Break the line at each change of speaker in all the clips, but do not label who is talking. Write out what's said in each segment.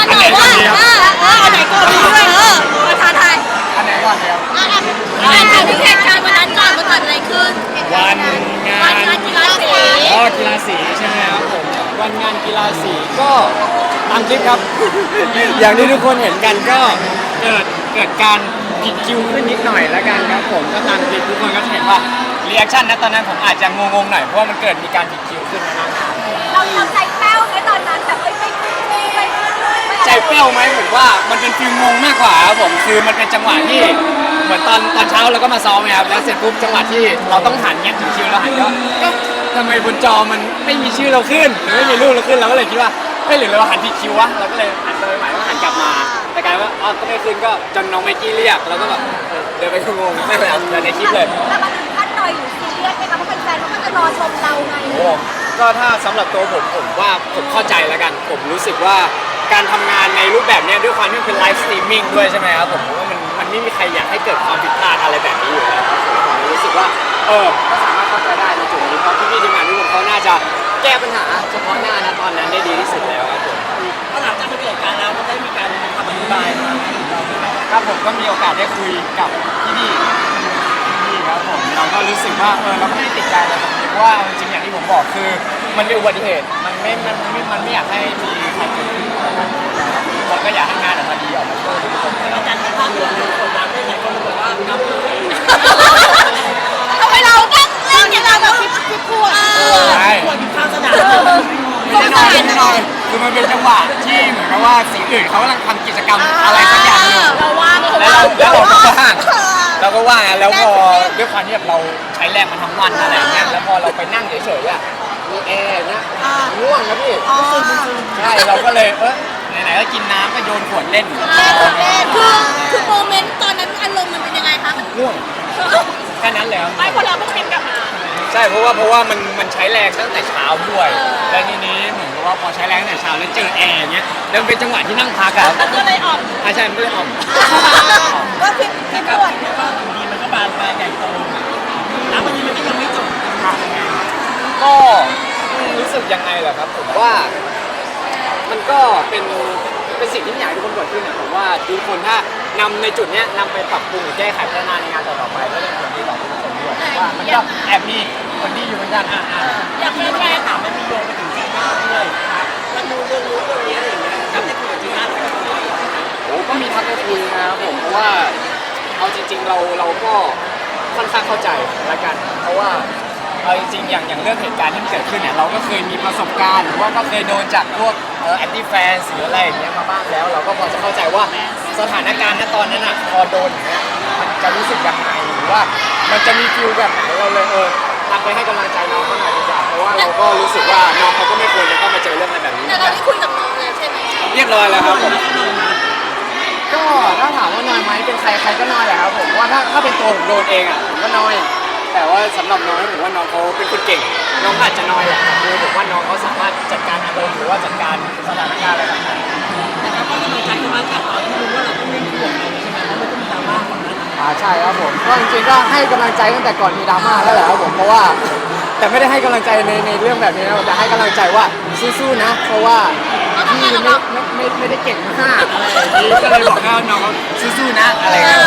หน่อยว่าอันไหนก่อนดีด้วยมาท้าทาย
อันไหนก่อนครับ
ถามถึงเหตุการณ์วันนั้นก่อนว่าเกิดอะไรขึ้น
วันงาน
กีฬาสี
กีฬาสีใช่ไหมครับผมวันงานกีฬาสีก็ตามคลิปครับ อย่างที่ทุกคนเห็นกันก็เกิดการผิดคิวขึ้นนิดหน่อยแล้วกันครับผมก็ตามคลิปทุกคนก็จะเห็นว่ารีแอคชั่นนะตอนนั้นผมอาจจะงงๆหน่อยเพราะว่ามันเกิดมีการผิดคิวขึ้นนะครับ
เราใจแป้วไหมตอนนั้นแบบไม่
ใจเปรี้ยวไหมผมว่ามันเป็นฟิลงงมากกว่าครับผมคือมันเป็นจังหวะที่เหมือนตอนเช้าเราก็มาซ้อมไงครับแล้วเสร็จปุ๊บจังหวะที่เราต้องหันเงี้ยถึงคิวเราหันก็ทำไมบนจอมันไม่มีชื่อเราขึ้นหรือไม่มีรูปเราขึ้นเราก็เลยคิดว่าไม่หรือเราหันผิดคิววะเราก็เลยหันไปใหม่ก็หันกลับมาแต่กลายว่าอ๋อก็ไม่ขึ้นก็จนน้องไมกี้เรียกแล้วก็แบบเดินไปงงไม่เป็นไรเดินในคลิปเลย
แต่มันถึงขั้นหน่อยหรือซีเรียสไหมคะเพราะแฟนๆเขาก็จะรอชมเราไง
โอ้ก็ถ้าสำหรับตัวผมว่าผมเข้าใจแล้วกันผมรู้สึกว่าการทำงานในรูปแบบนี้ด้วยความที่มันเป็นไลฟ์สตรีมมิ่งด้วยใช่ไหมครับผมว่ามันไม่มีใครอยากให้เกิดความผิดพลาดอะไรแบบนี้อยู่แล้วครับผมรู้สึกว่าก็สามารถเข้าใจได้ในจุดนี้เพราะพี่ๆทีมงานทุกคนเขาน่าจะแก้ปัญหาเฉพาะหน้านะตอนนั้นได้ดีที่สุดแล้วครับผมก็หลังจากที่เกิดการแล้วก็ได้มีการทำอธิบายครับผมก็มีโอกาสได้คุยกับพี่ครับผมเราก็รู้สึกว่าเราก็ไม่ได้ติดใจอะไรแบบนี้เพราะว่าจริงๆอย่างที่ผมบอกคือมันเป็นอุบัติเหตุมันไม่อยากให้มีใครเกิดขึ้นเราก็อยากให้งานออกมาดีออกมาสวยทุกคนแล้วการที่ภาพรวมคนรักได้หลายคนบอกว่านับเลย
ทำไมเราต้องเล่นอย่างเราแบบคิดพูด
ใช่ควรกินข้าวสนามไม่ได้นอนไม่ได้นอนคือมันเป็นจังหวะที่เหมือนกับว่าสิ่งอื่นเขากำลังทำกิจกรรมอะไรสักอย่างอยู่
เราว่าง
แล้วเราก็ว่างแล้วพอด้วยความที่แบบเราใช้แรงมาทั้งวันอะไรเงี้ยแล้วพอเราไปนั่งเฉยๆอ่ะมีแอร์นะง่วงนะพี่ใช่เราก็เลยไหนๆก็กินน้ำก็โยนขวดเล่น
คือโมเมนต์ตอนนั้นอารมณ์มันเป็นยังไงคะ
ง่วงแค่นั้นเลยครับ
ไม่พอเราต้องเต็มกลับมา
ใช่เพราะว่ามันใช้แรงตั้งแต่เช้าด้วยแล้วทีนี้เหมือนกับว่าพอใช้แรงตั้งแต่เช้าแล้วเจอแอร์เงี้ยแล้วเป็นจังหวะที่นั่งพักอะ
ก็เลยออก
ใช่มันก็เลยออก
ก็คิดปวด
ดีมันก็บานปลายใหญ่โตแล้ววันนี้มันก็ยังไม่จบ
ก็รู้สึกยังไงเหรอครับผมว่ามันก็เป็นสิ่งที่อยากให้ทุกคนเกิดขึ้นนะผมว่าทุกคนถ้านำในจุดเนี้ยนำไปปรับปรุงหรือแก้ไขพัฒนาในงานต่อๆไปก็เป็นผลดีต่อทุกคนด้วยว่ามันก็แอบมีผลดีอยู่เหมือนกัน
อยากให้แม่ถามมันมีโยงไปถึงจีน่าด้วยแล้วดูเรื่องนี้อะไรอย่างเงี้ยครับได้คุยกับจีน่าด้วย
โอ้ก็มีทักไปคุยนะครับผมเพราะว่าเอาจริงๆเราก็ค่อนข้างเข้าใจละกันเพราะว่าเอาจริงๆอย่างเรื่องเหตุการณ์ที่เกิดขึ้นเนี่ยเราก็เคยมีประสบการณ์หรือว่าก็เคยโดนจากพวกแอนตี้แฟนหรืออะไรอย่างเงี้ยมาบ้างแล้วเราก็พอจะเข้าใจว่าสถานการณ์ณตอนนั้นอ่ะพอโดนอย่างเงี้ยมันจะรู้สึกยังไงหรือว่ามันจะมีฟิลแบบไหนเราเลยทักไปให้กำลังใจน้องเขาหน่อยดีกว่าเพราะว่าเราก็รู้สึกว่าน้องเขาก็ไม่ควรจะต้องมาเจอเรื่องอะไรแบบนี้
แต่เราได้คุยกับน้องแล้วใช่ไหม
เรียบร้อยแล้วครับผมก็ถ้าถามว่านอยไหมเป็นใครก็นอยแหละครับผมว่าถ้าเป็นตัวผมโดนเองอ่ะผมก็นอยแต่ว่าสำหรับน้องผมว่าน้องเขาเป็นคนเก่งน้องอาจจะนอยแหละคือผมว่าน้องเขาสามารถจัดการอารมณ์หรือว่าจัดการสถานการณ์อะไรต่างๆ
นะครับก็กำลังใจกันมาจากตอนที่รู้ว่าเราต้องเล่นคู่กับเราใช่ไหมแล้วมันก็มีดราม่าของนั้น
ใช่ครับผมก็จริงๆก็ให้กำลังใจตั้งแต่ก่อนมีดราม่าแล้วแหละครับผมเพราะว่าแต่ไม่ได้ให้กำลังใจในเรื่องแบบนี้นะแต่ให้กำลังใจว่าสู้ๆนะเพราะว่าพี่ไม่ได้เก่งมากอะไรอย่างนี้ก็เลยบอกว่าน้องสู้ๆนะอะไรอย่างเงี้ย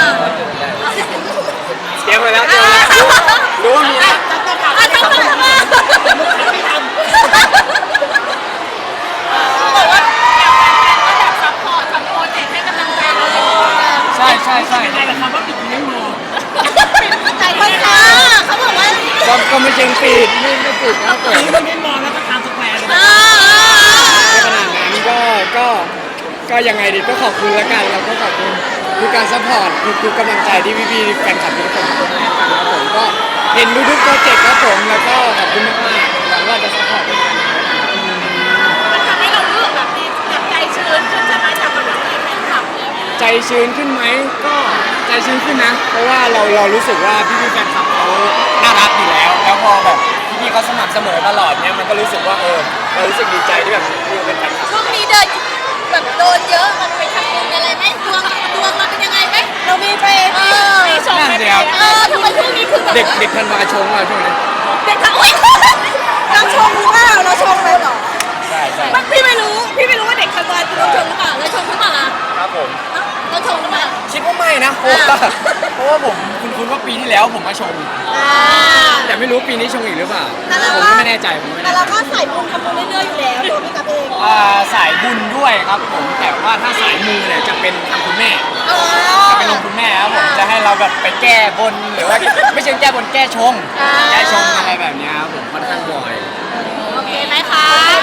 เตรียมไว้แล้วรู้ว่ามีนะ
ไม่ทำ
บอกว่าแฟนๆก็แบบซัพพอร์ตทำโปรเจกต์ให้กำลังใจเรา
ใช่
ยังไงล่ะครับว่าปิดไม่มอง
ใจคนค่ะเขาบอกว่า
ก็ไม่เชิงปิดไม่ปิดนะเปิด
ไม่มองแล้วก็ทำสแควร์เลย
ขนาดนั้นก็ยังไงดีก็ขอบคุณแล้วกันเราก็ขอบคุณทุกการซัพพอร์ตทุกกำลังใจที่พี่ๆแฟนคลับทุกคนให้กันครับผมก็เห็นทุกโปรเจกต์ครับผมแล้วก็ขอบคุณมากๆหวังว่าจะซัพพอร์ตกัน
มันทำให้เรารู้สึกแบบดีแบบใจชื้นขึ้นใช่ไหมจากกำลังใจแฟนคลับเนี่ย
ใจชื้นขึ้นไหมก็ใจชื้นขึ้นนะเพราะว่าเรารู้สึกว่าพี่ๆแฟนคลับเขาน่ารักอยู่แล้วพอแบบพี่ๆเขาสม่ำเสมอตลอดเนี่ยมันก็รู้สึกว่าเรารู้สึกดีใจที่แบบพี่เป็นแฟนคลับ
ช่วงนี้เดินแบบโดนเยอะมันไปทำบุญอะไรไหมดวงมันเป็นยังไงไหมเรามีไปมีชมไหมทำไมช่วงนี้คือแบบ
เด็กธันวาชงอ่ะช่วงนี้
เด็กทั้งอุ้ยเราชงหรือเปล่าเราชงเลยเหรอ
ใใช่
พี่ไม่รู้ว่าเด็กทำงานคือต้องชงหรือเปล่าแล้วชงหรือเปล่าล่ะ
ครับผม
แล้วชงหรือเปล่า
คิดว่าไม่นะเพราะว่าผมคุ้นๆว่าปีที่แล้วผมมาชง แต่ไม่รู้ปีนี้ชงอีกหรือเปล่าผมก็ไม่แน่ใจผมไม่
แต่
แน่ใจ
เราก็ใส่บุญทำบุญเรื่อยๆอยู่แล้วตัวพี่กับเอง
สายบุญด้วยครับผมแต่ว่าถ้าสายมูเนี่ยจะเป็นทางคุณแม่จะเป็นลงคุณแม่ครับผมจะให้เราแบบไปแก้บนหรือว่าไม่ใช่แก้บนแก้ชงอะไรแบบเนี้ยครับผมค่อนข้างบ่อย
โอเคไหมคะ